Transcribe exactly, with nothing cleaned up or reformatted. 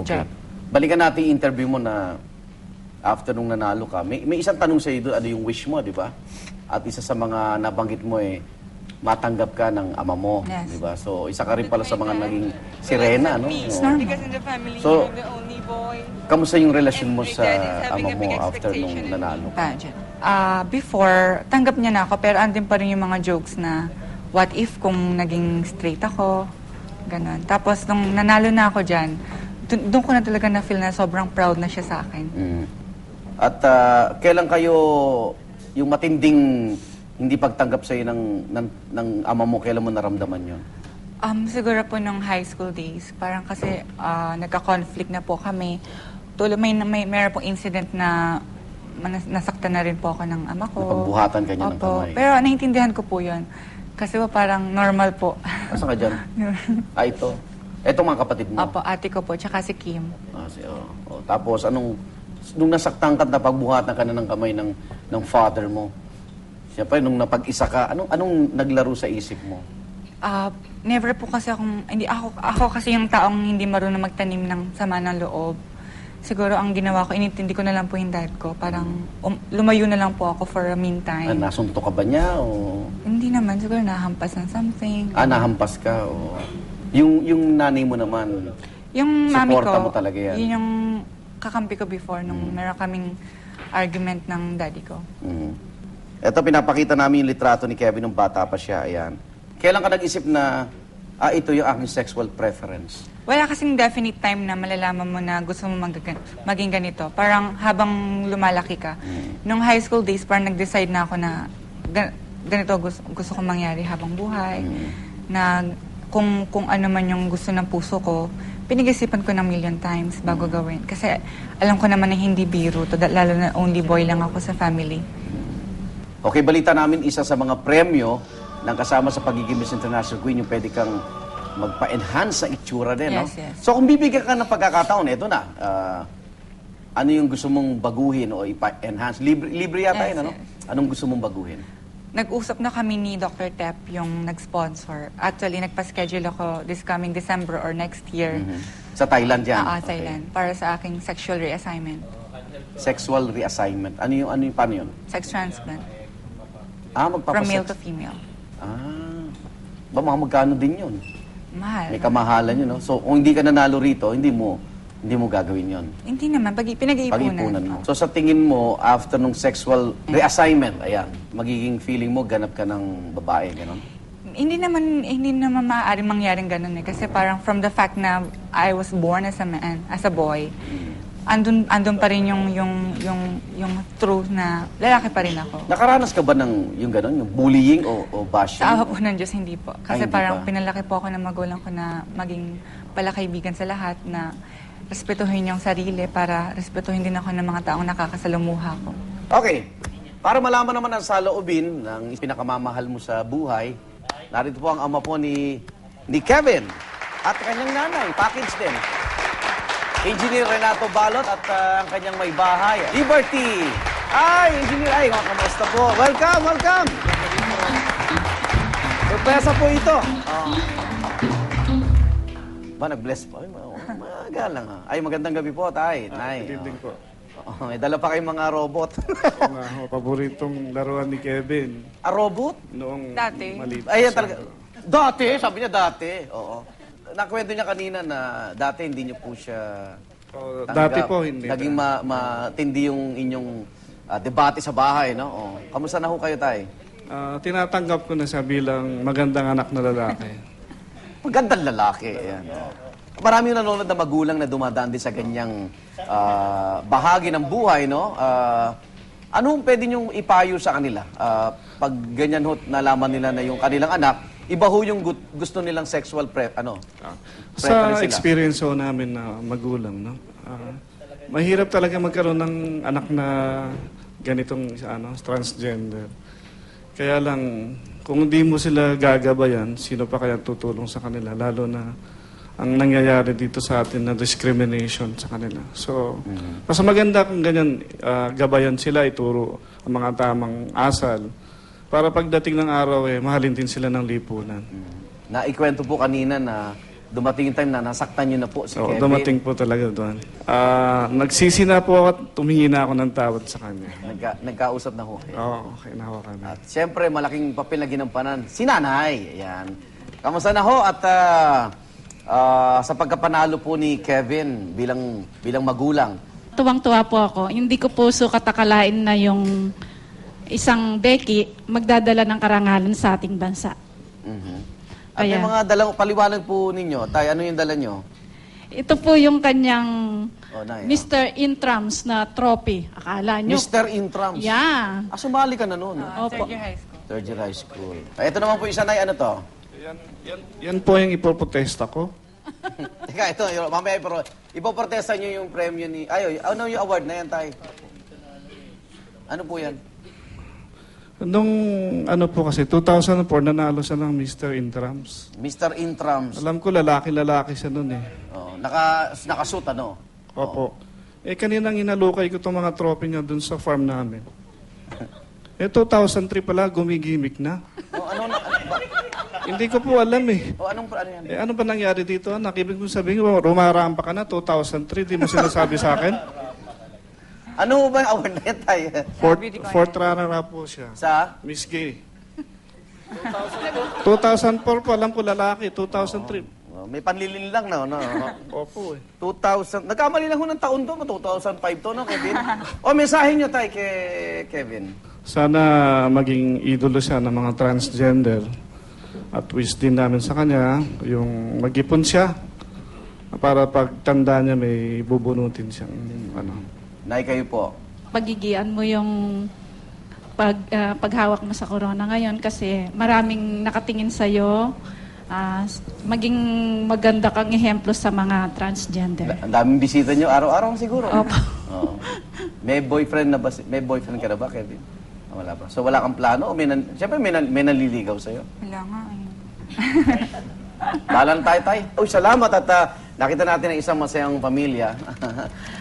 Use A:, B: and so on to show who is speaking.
A: Okay.
B: job.
A: Balikan natin yung interview mo na after nung nanalo ka. May, may isang tanong sa iyo doon, ano yung wish mo, di ba? At isa sa mga nabanggit mo eh, matanggap ka ng ama mo,
B: Yes.
A: di ba? So, isa ka rin pala sa mga naging sirena, no?
C: Me,
A: Oo.
C: because in the family,
A: So,
C: I'm the only boy.
A: Kamusta yung relasyon mo
C: And my
A: sa
C: dad is having
A: ama
C: a
A: mo
C: big
A: after nung
C: expectation in
A: nanalo ka?
B: Pageant. Ah, before, tanggap niya na ako, pero andin pa rin yung mga jokes na, what if kung naging straight ako, ganon. Tapos, nung nanalo na ako dyan, dun- doon ko na talaga na-feel na sobrang proud na siya sa akin.
A: Mm. At ah, kailan kayo, yung matinding hindi pagtanggap sa'yo ng, ng, ng ama mo, kailan mo naramdaman yun?
B: Um, siguro po nung high school days, parang kasi ah, nagka-conflict na po kami. Tulo, may, may, mayroon pong incident na manas- nasaktan na rin po ako ng ama ko.
A: Napagbuhatan ka niya ng
B: Opo.
A: kamay.
B: Pero naiintindihan ko po yun. Kasi po parang normal po.
A: Asa ka dyan? Ah, ito. Ito mga kapatid mo.
B: Opo, ate ko po, tsaka si Kim.
A: Ah, si, oh. Oh, tapos, anong, nung nasaktan ka, napagbuhatan ka na ng kamay ng, ng father mo. Siyempre, nung napag-isa ka, anong, anong naglaro sa isip mo?
B: Ah, never po kasi akong, hindi, ako, ako kasi yung taong hindi marunong magtanim ng sama ng loob. Siguro ang ginawa ko, inintindi ko na lang po yung dad ko. Parang um, lumayo na lang po ako for a
A: Ah,
B: meantime.
A: nasunto ka ba niya? O,
B: Hindi naman, siguro nahampas ng something.
A: ah, nahampas ka? O, yung, yung nanay mo naman,
B: Yung mami ko,
A: Suporta mo talaga yan.
B: yun yung kakampi ko before nung meron kaming argument ng daddy ko.
A: mm. Ito, pinapakita namin yung litrato ni Kevin nung bata pa siya. Ayan. Kailan ka nag-isip na, ah, ito yung aking sexual preference?
B: Wala kasing definite time na malalaman mo na gusto mo mag- maging ganito. Parang habang lumalaki ka. Nung high school days, parang nag-decide na ako na gan- ganito gusto, gusto kong mangyari habang buhay. Na kung, kung ano man yung gusto ng puso ko, pinag-isipan ko ng million times bago gawin. Kasi alam ko naman na hindi biro to, da- lalo na only boy lang ako sa family.
A: Okay, balita namin isa sa mga premyo ng kasama sa pagiging Miss International Queen, yung pwede kang magpa-enhance sa itsura din, no?
B: Yes, yes.
A: So kung bibigyan ka ng pagkakataon, eto na. ah, ano yung gusto mong baguhin o ipa-enhance? Libre, libre yata
B: Yes,
A: yun, ano?
B: yes.
A: Anong gusto mong baguhin?
B: Nag-usap na kami ni Doctor Tep, yung nag-sponsor. Actually, nagpa-schedule ako this coming December or next year.
A: Sa Thailand yan?
B: Ah, ah,
A: Okay.
B: Thailand. Para sa aking sexual reassignment.
A: Sexual reassignment. Ano yung, ano yung, paano yun?
B: Sex transplant.
A: Ah,
B: From
A: magpapasex.
B: male to female.
A: Ah, ba mga magkano din yun?
B: Mahal.
A: May kamahalan yun, no? So, kung hindi ka nanalo rito, hindi mo, hindi mo gagawin yun.
B: Hindi naman. Pag, pinag-iipunan.
A: Pag-ipunan mo. So, sa tingin mo, after nung sexual reassignment, ayan, magiging feeling mo, ganap ka ng babae, gano'n?
B: Hindi naman, hindi naman maaaring mangyaring ganun eh. Kasi parang from the fact na I was born as a man, as a boy, andun, andun pa rin yung, yung, yung, yung truth na lalaki pa rin ako.
A: Nakaranas ka ba ng yung gano'n, yung bullying o, o bashing?
B: Sa awa po ng Diyos, hindi po. Kasi
A: Ay, hindi
B: parang
A: pa.
B: pinalaki po ako ng magulang ko na maging palakaibigan sa lahat, na respetuhin yung sarili para respetuhin din ako ng mga taong nakakasalumuha ko.
A: Okay. Para malaman naman ang saloobin ng pinakamamahal mo sa buhay, narito po ang ama po ni, ni Kevin at kanyang nanay, package din. Engineer Renato Balot at ah, ang kanyang may bahay, Liberty. Ay, Engineer, ay, mga kamusta po. Welcome, welcome. Surpresa po ito. Oh. Ba, nag-bless po. Ay, ma- magalang ha. Ay, magandang gabi po, tay. Nay.
D: Good evening po.
A: Oh, may dala pa kayong mga robot.
D: Oo nga ho, paboritong laruan ni Kevin
A: A robot?
D: noong
B: Dati.
D: maliit.
A: Ayan
D: siya.
A: talaga. Dati, sabi niya dati. Oo. Nakwento niya kanina na dati hindi niyo po siya
D: Oh,
A: tanggap.
D: dati po hindi.
A: Naging ma matindi yung inyong ah, debate sa bahay, no? Oh. Kamusta na ho kayo, tay?
D: Ah, tinatanggap ko na siya bilang magandang anak na lalaki.
A: Magandang lalaki. Ayan. Marami yung nanonood na magulang na dumadaan din sa ganyang ah, bahagi ng buhay, no? Ah, anong pwede niyong ipayo sa kanila? Ah, pag ganyan ho, nalaman nila na yung kanilang anak, iba ho yung gu- gusto nilang sexual pre, ano?
D: Sa
A: preference nila.
D: experience ho namin na magulang, no? Ah, mahirap talaga magkaroon ng anak na ganitong ano, transgender. Kaya lang, kung hindi mo sila gagabayan, sino pa kaya tutulong sa kanila? Lalo na ang nangyayari dito sa atin na discrimination sa kanila. So, mas maganda kung ganyan, ah, gabayan sila, ituro ang mga tamang asal. Para pagdating ng araw, eh, mahalin din sila ng lipunan.
A: Naikwento po kanina na dumating yung time na nasaktan nyo na po si
D: Oo,
A: Kevin.
D: dumating po talaga doon. Ah, nagsisi na po ako at tumingi na ako ng tawad sa kanya.
A: Nagka, nagkausap na ho.
D: Oo, okay na ako kami.
A: At siyempre, malaking papel na ginampanan. Si Nanay. Ayan. Kamusta na ho? At ah, ah, sa pagkapanalo po ni Kevin bilang bilang magulang,
C: Tuwang-tuwa po ako. Hindi ko po so katakalain na yung isang Becky magdadala ng karangalan sa ating bansa.
A: mhm. At
C: Kaya-
A: may mga dalang paliwanag po ninyo. Tay, ano yung dala nyo?
C: Ito po yung kanyang
A: Oh, Nay,
C: Mister Intrams na trophy. Akala nyo?
A: Mister Intrams.
C: Yeah.
A: Ah, sumali ka na noon.
B: Ah,
C: Opo.
B: third year high school.
A: Third year high school. Ah, ito naman po isa, Nay. Ano to?
D: Yan, yan, yan po yung ipoprotesta ko.
A: Teka, ito. Yung, mamaya, pero ipoprotesta nyo yung premyo ni... Ay, ano yung award na yan, Tay? Ano po yan?
D: Nung ano po kasi, two thousand four, nanalo siya ng Mister Intrams.
A: Mister Intrams.
D: Alam ko, lalaki-lalaki siya noon eh.
A: Oh, naka, nakasuit, ano?
D: Opo. Eh, kaninang inalukay ko itong mga trophy niya dun sa farm namin. Eh, two thousand three pala, gumigimik na.
A: Oh, ano, na, ano ba?
D: Hindi ko po alam eh.
A: Oh, anong, ano yan?
D: Eh, ano ba nangyari dito? Nakibig mo sabihin, rumarampa ka na, two thousand three, di mo sinasabi sa akin.
A: Ano ba yung award na yan, Tay?
D: Fourth, fourth runner-up po siya.
A: Sa?
D: Miss Gay. two thousand four po, alam ko lalaki, two thousand three.
A: Oh, may panlilin lang na, no?
D: Opo eh.
A: two thousand. Nagkamali lang ho ng taon to, two thousand five to, no, Kevin? O, mensahe nyo, Tay, kay Kevin.
D: Sana maging idolo siya ng mga transgender. At wish din namin sa kanya, yung mag-ipon siya. Para pagtanda niya, may bubunutin siyang ano.
A: Nay, kayo po.
C: Pagigian mo yung pag, ah, paghawak mo sa corona ngayon kasi maraming nakatingin sa'yo. Ah, maging maganda kang ehemplo sa mga transgender.
A: Ang daming bisita nyo, araw-araw siguro.
C: Opo.
A: Oo. May boyfriend na ba? si- May boyfriend ka na ba, Kevin? Ah, wala pa. So, wala kang plano? O may nan- Siyempre, may, nan- may nanliligaw sa'yo.
B: Wala nga. eh.
A: Balang tayo, Tay. Uy, salamat at ah, nakita natin ang isang masayang pamilya.